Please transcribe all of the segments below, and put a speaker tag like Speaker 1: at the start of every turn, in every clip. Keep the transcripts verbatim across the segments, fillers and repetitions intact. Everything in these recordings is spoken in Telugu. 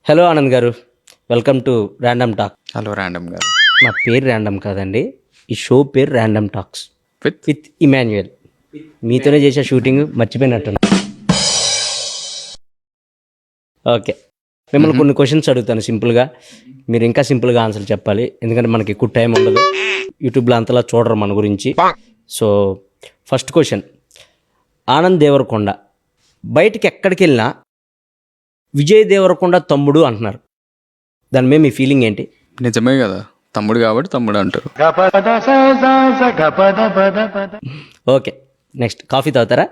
Speaker 1: Hello Anand garu, welcome to random talk.
Speaker 2: Hello random garu.
Speaker 1: నా పేరు ర్యాండమ్ కాదండి, ఈ షో పేరు random talks
Speaker 2: with
Speaker 1: with Emmanuel. మీతోనే చేసే షూటింగ్ మర్చిపోయినట్టున్నా. ఓకే, మిమ్మల్ని కొన్ని క్వశ్చన్స్ అడుగుతాను సింపుల్గా. మీరు ఇంకా సింపుల్గా ఆన్సర్ చెప్పాలి, ఎందుకంటే మనకి ఎక్కువ టైం ఉండదు. యూట్యూబ్లో అంతలా చూడరు మన గురించి. So first question, Anand Deverakonda బయటికి ఎక్కడికి వెళ్ళినా విజయ్ దేవరకొండ తమ్ముడు అంటున్నారు. దాని మీద మీ ఫీలింగ్ ఏంటి?
Speaker 2: నిజమే కదా, తమ్ముడు కాబట్టి తమ్ముడు అంటారు.
Speaker 1: ఓకే, నెక్స్ట్ కాఫీ తాగుతారా?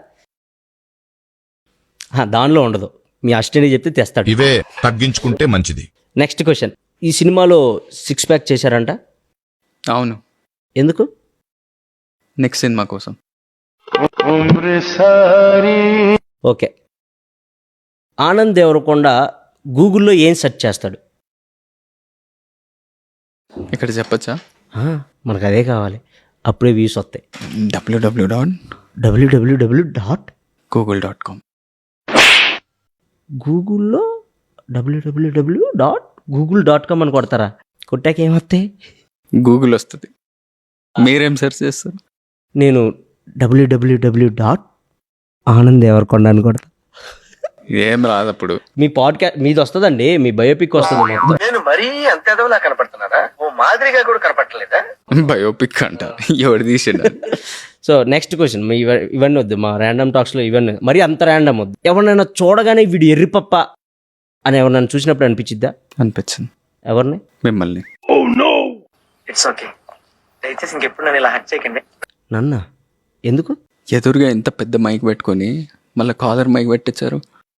Speaker 1: హా, దానిలో ఉండదు, మీ అసిస్టెంట్ చెప్తే తెస్తాడు.
Speaker 3: ఇవే తగ్గించుకుంటే మంచిది.
Speaker 1: నెక్స్ట్ క్వశ్చన్, ఈ సినిమాలో సిక్స్ ప్యాక్ చేశారంట,
Speaker 2: అవును.
Speaker 1: ఎందుకు?
Speaker 2: నెక్స్ట్ సినిమా కోసం.
Speaker 1: ఓకే, ఆనంద్ దేవరకొండ గూగుల్లో ఏం సెర్చ్ చేస్తాడు?
Speaker 2: ఇక్కడ చెప్పచ్చా?
Speaker 1: ఆ, మనకు అదే కావాలి, అప్పుడే వ్యూస్ వస్తాయి.
Speaker 2: WW dot
Speaker 1: WWW dot
Speaker 2: Google dot com.
Speaker 1: గూగుల్లో WWW dot Google dot com అని కొడతారా? కొట్టాక ఏమొస్తాయి?
Speaker 2: గూగుల్ వస్తుంది. మీరేం సెర్చ్ చేస్తారు?
Speaker 1: నేను డబ్ల్యూడబ్ల్యూడబ్ల్యూ డాట్ ఆనంద్ దేవరకొండ అని కొడతా.
Speaker 2: ఏం రాదు అప్పుడు.
Speaker 1: మీ పాడ్కాస్ట్ మీది వస్తుందండి, మీ బయోపిక్ వస్తుంది మొత్తం.
Speaker 4: నేను మరీ అంత ఎదవలా కనపడుతున్నారా? ఓ మాదిరిగా కూడా కనపడలేదా?
Speaker 2: బయోపిక్ అంట, ఎవరు తీసిండు?
Speaker 1: సో నెక్స్ట్ క్వశ్చన్, మీ ఇవ- ఇవన్నీ వద్దు, మా ర్యాండమ్ టాక్స్లో ఇవన్నీ మరి అంత ర్యాండమ్ వద్దు. ఎవరినైనా చూడగానే వీడు ఎర్రిపప్ప అని ఎవరినైనా చూసినప్పుడు అనిపించిద్దా?
Speaker 2: అనిపించింది.
Speaker 1: ఎవరిని?
Speaker 2: మిమ్మల్ని.
Speaker 4: ఇట్స్ ఓకే, దయచేసి ఇంకెప్పుడు నన్ను ఇలా హట్ చేయకండి.
Speaker 1: నన్నా? ఎందుకు?
Speaker 2: ఎదురుగా ఎంత పెద్ద మైక్ పెట్టుకొని మళ్ళీ కాలర్ మైక్ పెట్టించారు.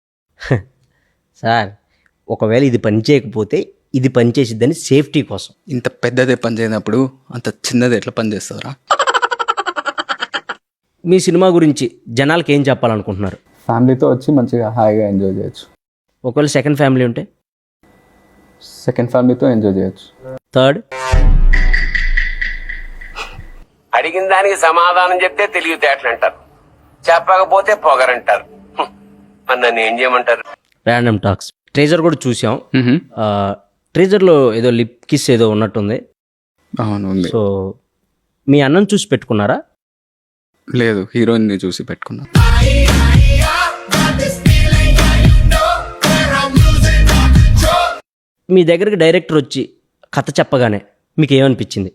Speaker 1: సార్, ఒకవేళ ఇది పని చేయకపోతే ఇది పని చేసిద్దని సేఫ్టీ కోసం.
Speaker 2: ఇంత పెద్దదే పని చేయనప్పుడు అంత చిన్నది ఎట్లా పని చేస్తారా?
Speaker 1: మీ సినిమా గురించి జనాలకి ఏం చెప్పాలనుకుంటున్నారు?
Speaker 2: ఫ్యామిలీతో వచ్చి మంచిగా హాయిగా ఎంజాయ్ చేయొచ్చు.
Speaker 1: ఒకవేళ సెకండ్ ఫ్యామిలీ ఉంటే?
Speaker 2: సెకండ్ ఫ్యామిలీతో ఎంజాయ్ చేయొచ్చు.
Speaker 1: థర్డ్?
Speaker 5: అడిగిన దానికి సమాధానం చెప్తే తెలివితేటలు అంటారు, చెప్పకపోతే పొగరంటారు. హ్మ్. మరి నన్ను ఏం చేయమంటారు?
Speaker 1: ర్యాండమ్ టాక్స్ ట్రేజర్ కూడా చూసాం.
Speaker 2: మ్హూ.
Speaker 1: ట్రేజర్లో ఏదో లిప్ కిస్ ఏదో ఉన్నట్టుంది.
Speaker 2: అవును, ఉంది.
Speaker 1: సో మీ అన్నం చూసి పెట్టుకున్నారా?
Speaker 2: లేదు, హీరోయిన్ ని చూసి పెట్టుకున్నా.
Speaker 1: మీ దగ్గరికి డైరెక్టర్ వచ్చి కథ చెప్పగానే మీకు ఏమనిపించింది?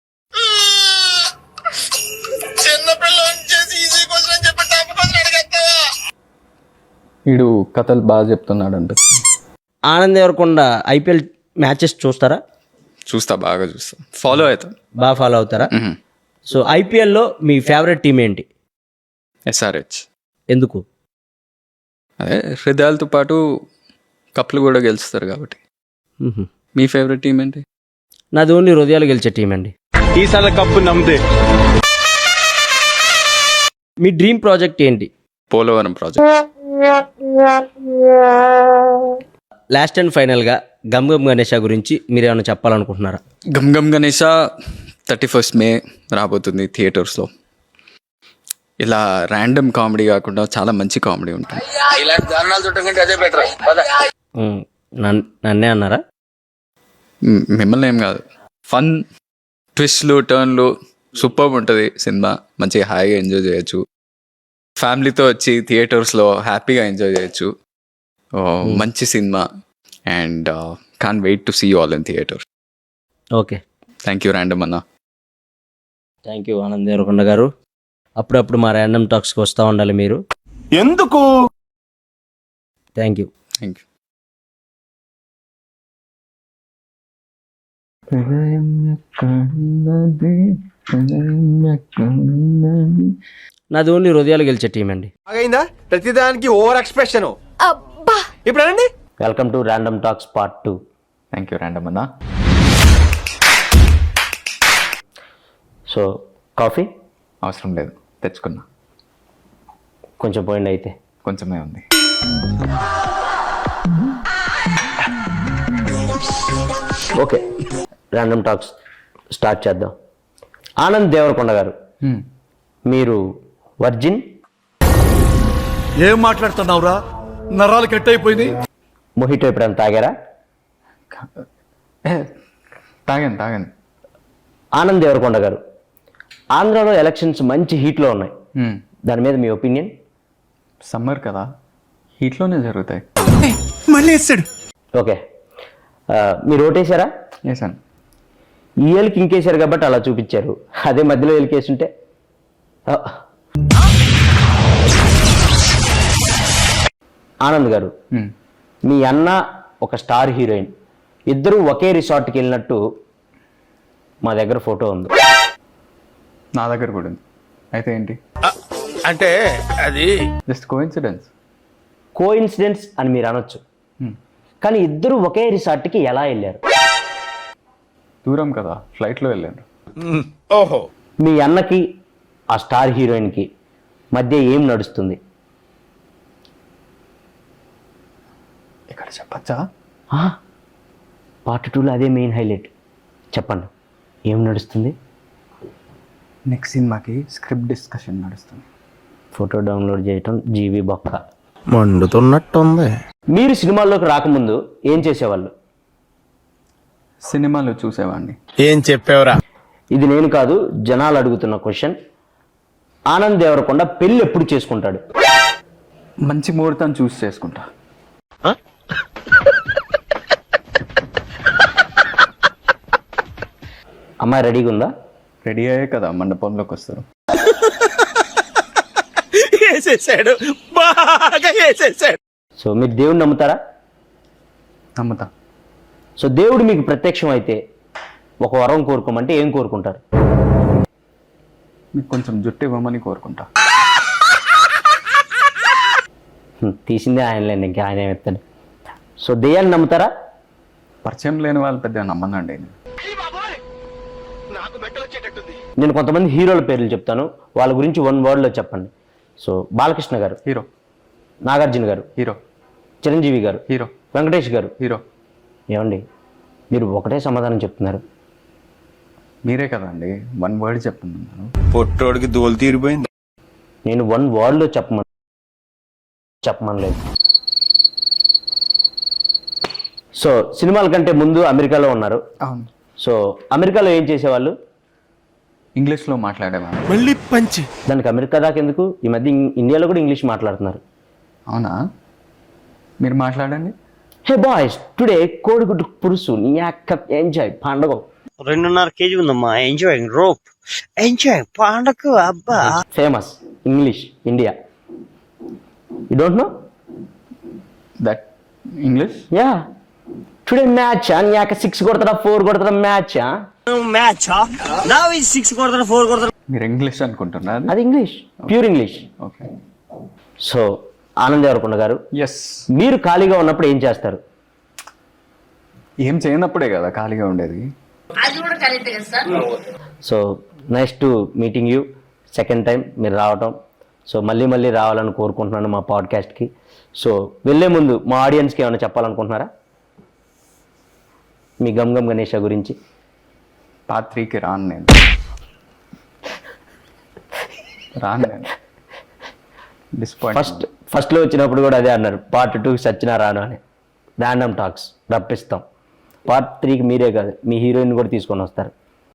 Speaker 2: వీడు కథలు బాగా చెప్తున్నాడు అంట.
Speaker 1: ఆనంద్ దేవరకొండ ఐపీఎల్ మ్యాచెస్ చూస్తారా?
Speaker 2: చూస్తా, బాగా చూస్తా, ఫాలో అవుతా.
Speaker 1: బాగా ఫాలో అవుతారా? సో ఐపీఎల్లో మీ ఫేవరెట్ టీం ఏంటి?
Speaker 2: ఎస్ఆర్హెచ్.
Speaker 1: ఎందుకు?
Speaker 2: అదే హృదయాలతో పాటు కప్లు కూడా గెలుస్తారు కాబట్టి.
Speaker 1: మ్హూ.
Speaker 2: మీ ఫేవరెట్ టీం ఏంటి?
Speaker 1: నాది ఓన్లీ హృదయాలు గెలిచే టీం అండి.
Speaker 6: ఈసారి కప్పు నమ్మదే.
Speaker 1: మీ డ్రీమ్ ప్రాజెక్ట్ ఏంటి?
Speaker 2: పోలవరం ప్రాజెక్ట్.
Speaker 1: లాస్ట్ అండ్ ఫైనల్గా గమ్ గమ్ గణేష గురించి మీరు ఏమైనా చెప్పాలనుకుంటున్నారా?
Speaker 2: Gam Gam Ganesha thirty first May రాబోతుంది థియేటర్స్లో. ఇలా ర్యాండమ్ కామెడీ కాకుండా చాలా మంచి కామెడీ ఉంటుంది.
Speaker 5: ఇలాంటి దారుణాలు చుట్టకంటే అదే బెటర్.
Speaker 1: మ్, నన్- నన్నే అన్నారా?
Speaker 2: మ్, మిమ్మల్ని ఏం కాదు. ఫన్, ట్విస్ట్లు, టర్న్లు సూపర్ ఉంటుంది సినిమా. మంచిగా హాయిగా ఎంజాయ్ చేయొచ్చు. ఫ్యామిలీతో వచ్చి థియేటర్స్లో హ్యాపీగా ఎంజాయ్ చేయొచ్చు. ఓ, మంచి cinema. And can wait to see you all in theatre.
Speaker 1: Okay,
Speaker 2: thank you random అన్న.
Speaker 1: Thank you Anand Deverakonda garu. అప్పుడప్పుడు మా ర్యాండమ్ టాక్స్కి వస్తూ ఉండాలి మీరు.
Speaker 6: ఎందుకు?
Speaker 1: Thank you.
Speaker 2: Thank you.
Speaker 1: నాది ఓన్లీ హృదయాలు గెలిచే టీం అండి.
Speaker 6: అయిందా? ప్రతిదానికి ఓవర్ ఎక్స్ప్రెషన్. ఇప్పుడు అనండి.
Speaker 1: Welcome to random talks part two.
Speaker 2: Thank you random అన్న.
Speaker 1: సో కాఫీ
Speaker 2: అవసరం లేదు, తెచ్చుకున్నా.
Speaker 1: కొంచెం పోయింది అయితే.
Speaker 2: కొంచెమే ఉంది.
Speaker 1: ఓకే, ర్యాండమ్ టాక్స్ స్టార్ట్ చేద్దాం. ఆనంద్ దేవరకొండ గారు, మీరు వర్జిన్?
Speaker 7: ఏం మాట్లాడుతున్నావురా? నరాలు కట్ అయిపోయింది.
Speaker 1: మొహిటో ఎప్పుడైనా తాగారా?
Speaker 2: ఏ, తాగాను తాగాను
Speaker 1: ఆనంద్ దేవరకొండ గారు, ఆంధ్రాలో ఎలక్షన్స్ మంచి హీట్లో ఉన్నాయి,
Speaker 2: మ్మ్.
Speaker 1: దాని మీద మీ ఒపీనియన్?
Speaker 2: సమ్మర్ కదా, హీట్లోనే జరుగుతాయి.
Speaker 1: ఓకే, ఆ, మీరు ఓటేశారా?
Speaker 2: వేసాను.
Speaker 1: ఈ ఏళ్ళకి ఇంకేశారు కాబట్టి అలా చూపించారు, అదే మధ్యలో ఏళ్ళకేసుంటే ఆ. ఆనంద్ గారు,
Speaker 2: మ్మ్.
Speaker 1: మీ అన్న ఒక స్టార్ హీరోయిన్, ఇద్దరు ఒకే రిసార్ట్కి వెళ్ళినట్టు మా దగ్గర ఫోటో ఉంది.
Speaker 2: నా దగ్గర కూడా ఉంది. అయితే ఏంటి?
Speaker 7: అంటే అది
Speaker 2: జస్ట్ కోఇన్సిడెన్స్.
Speaker 1: కో ఇన్సిడెన్స్ అని మీరు అనొచ్చు, కానీ ఇద్దరు ఒకే రిసార్ట్కి ఎలా వెళ్ళారు?
Speaker 2: దూరం కదా, ఫ్లైట్లో వెళ్ళాను.
Speaker 7: ఓహో
Speaker 1: మీ అన్నకి ఆ స్టార్ హీరోయిన్కి మధ్య ఏం నడుస్తుంది?
Speaker 2: ఇక్కడ చెప్పచ్చా?
Speaker 1: పార్ట్ టూలో అదే మెయిన్ హైలైట్, చెప్పండి ఏం నడుస్తుంది?
Speaker 2: నెక్స్ట్ సినిమాకి స్క్రిప్ట్ డిస్కషన్ నడుస్తుంది.
Speaker 1: ఫోటో డౌన్లోడ్ చేయటం జీవి బొక్క.
Speaker 7: మండుతున్నట్టుంది.
Speaker 1: మీరు సినిమాల్లోకి రాకముందు ఏం చేసేవాళ్ళు?
Speaker 2: సినిమాలు చూసేవాడిని.
Speaker 7: ఏం చెప్పావురా?
Speaker 1: ఇది నేను కాదు, జనాలు అడుగుతున్న క్వశ్చన్. ఆనంద్ దేవరకొండ పెళ్ళి ఎప్పుడు చేసుకుంటాడు?
Speaker 2: మంచి ముహూర్తం చూసి చేసుకుంటా.
Speaker 1: అమ్మాయి రెడీగా ఉందా?
Speaker 2: రెడీ అయ్యే కదా మండపంలోకి వస్తారు.
Speaker 7: వేసేసాడు, బాగా వేసేసాడు.
Speaker 1: సో మీరు దేవుడిని నమ్ముతారా?
Speaker 2: నమ్ముతా.
Speaker 1: సో దేవుడు మీకు ప్రత్యక్షం అయితే ఒక వరం కోరుకోమంటే ఏం కోరుకుంటారు?
Speaker 2: మీకు కొంచెం జుట్టు ఇవ్వమని కోరుకుంటా.
Speaker 1: హ్మ్, తీసిందే ఆయనలేండి, ఇంకా ఆయన ఏమెత్తాడు. సో దెయ్యాన్ని నమ్ముతారా?
Speaker 2: పరిచయం లేని వాళ్ళు పెద్దగా నమ్మనండి.
Speaker 1: నేను కొంతమంది హీరోల పేర్లు చెప్తాను, వాళ్ళ గురించి వన్ వర్డ్లో చెప్పండి. సో బాలకృష్ణ గారు,
Speaker 2: హీరో.
Speaker 1: నాగార్జున గారు,
Speaker 2: హీరో.
Speaker 1: చిరంజీవి గారు,
Speaker 2: హీరో.
Speaker 1: వెంకటేష్ గారు.
Speaker 2: హీరో.
Speaker 1: ఏమండి మీరు ఒకటే సమాధానం చెప్తున్నారు?
Speaker 2: మీరే కదండి వన్ వర్డ్ చెప్తున్నాను.
Speaker 7: పొట్టోడికి దోలు తీరిపోయింది.
Speaker 1: నేను వన్ వర్డ్లో చెప్పమని చెప్పమనలేదు. సో సినిమాల కంటే ముందు అమెరికాలో ఉన్నారు.
Speaker 2: అవును.
Speaker 1: సో అమెరికాలో ఏం చేసేవాళ్ళు?
Speaker 2: ఇంగ్లీష్లో మాట్లాడేవాడు.
Speaker 7: మళ్ళీ పంచి.
Speaker 1: దానికి అమెరికా దాకా ఎందుకు? ఈ మధ్య ఇం- ఇండియాలో కూడా ఇంగ్లీష్ మాట్లాడుతున్నారు.
Speaker 2: అవునా? మీరు మాట్లాడండి.
Speaker 1: హే బాయ్స్, టుడే కోడిగుడ్డు పురుసు నీ అక్క ఎంజాయ్ పండగ.
Speaker 8: రెండున్నర కేజీ ఉందమ్మా. ఎంజాయ్ రోప్ ఎంజాయ్ పండగ అబ్బా.
Speaker 1: Famous English India. You don't know
Speaker 2: that English?
Speaker 1: Yeah. Today match నీ అక్క సిక్స్ కొడతారా ఫోర్ కొడతారా మ్యాచ్?
Speaker 8: మ్యాచ్ నా సిక్స్ కొడతారు ఫోర్ కొడతారు.
Speaker 2: మీరు ఇంగ్లీష్ అనుకుంటున్నా?
Speaker 1: అది English, pure English.
Speaker 2: Okay.
Speaker 1: So Anand Deverakonda garu,
Speaker 2: yes.
Speaker 1: మీరు ఖాళీగా ఉన్నప్పుడు ఏం చేస్తారు?
Speaker 2: ఏం చేయనప్పుడే కదా ఖాళీగా ఉండేది.
Speaker 1: So nice to meeting you second time మీరు రావటం. సో మళ్ళీ మళ్ళీ రావాలని కోరుకుంటున్నాను మా పాడ్కాస్ట్కి. సో వెళ్ళే ముందు మా ఆడియన్స్కి ఏమైనా చెప్పాలనుకుంటున్నారా మీ గమ్ గమ్ గణేష గురించి?
Speaker 2: పార్ట్ త్రీకి రాను నేను. రాను నేను. డిస్పాయింట్.
Speaker 1: ఫస్ట్ ఫస్ట్లో వచ్చినప్పుడు కూడా అదే అన్నారు, పార్ట్ టూకి సచ్చినా రాను అని. Random talks రప్పిస్తాం. పార్ట్ త్రీకి మీరే కాదు, మీ హీరోయిన్ కూడా తీసుకొని వస్తారు.